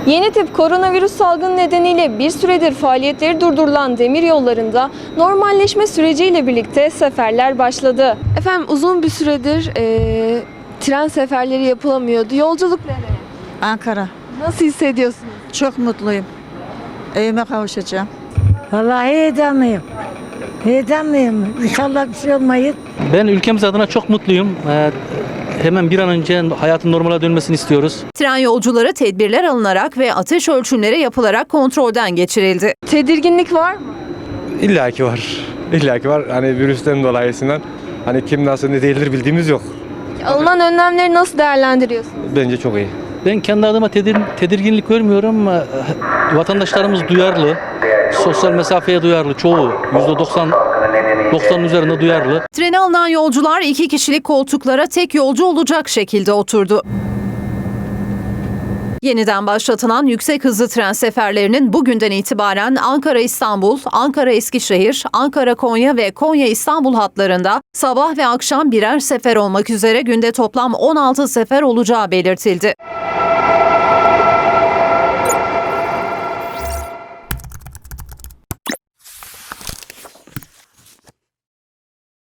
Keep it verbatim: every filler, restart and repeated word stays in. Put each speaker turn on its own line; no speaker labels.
Yeni tip koronavirüs salgını nedeniyle bir süredir faaliyetleri durdurulan demiryollarında normalleşme süreciyle birlikte seferler başladı. Efendim uzun bir süredir e, tren seferleri yapılamıyordu. Yolculuk nereye?
Ankara.
Nasıl hissediyorsunuz?
Çok mutluyum. Evime kavuşacağım.
Vallahi heyecanlıyım. Heyecanlıyım. İnşallah bir şey olmayız.
Ben ülkemiz adına çok mutluyum. Ee, hemen bir an önce hayatın normale dönmesini istiyoruz.
Tren yolcuları tedbirler alınarak ve ateş ölçümleri yapılarak kontrolden geçirildi.
Tedirginlik var mı?
İlla ki var. İlla ki var. Hani virüsten dolayısından hani kim nasıl ne değildir bildiğimiz yok.
Alınan önlemleri nasıl değerlendiriyorsunuz?
Bence çok iyi.
Ben kendi adıma tedir, tedirginlik görmüyorum. Ee, Vatandaşlarımız duyarlı. Sosyal mesafeye duyarlı. Çoğu yüzde doksan doksanın üzerinde duyarlı.
Trene alınan yolcular iki kişilik koltuklara tek yolcu olacak şekilde oturdu. Yeniden başlatılan yüksek hızlı tren seferlerinin bugünden itibaren Ankara-İstanbul, Ankara-Eskişehir, Ankara-Konya ve Konya-İstanbul hatlarında sabah ve akşam birer sefer olmak üzere günde toplam on altı sefer olacağı belirtildi.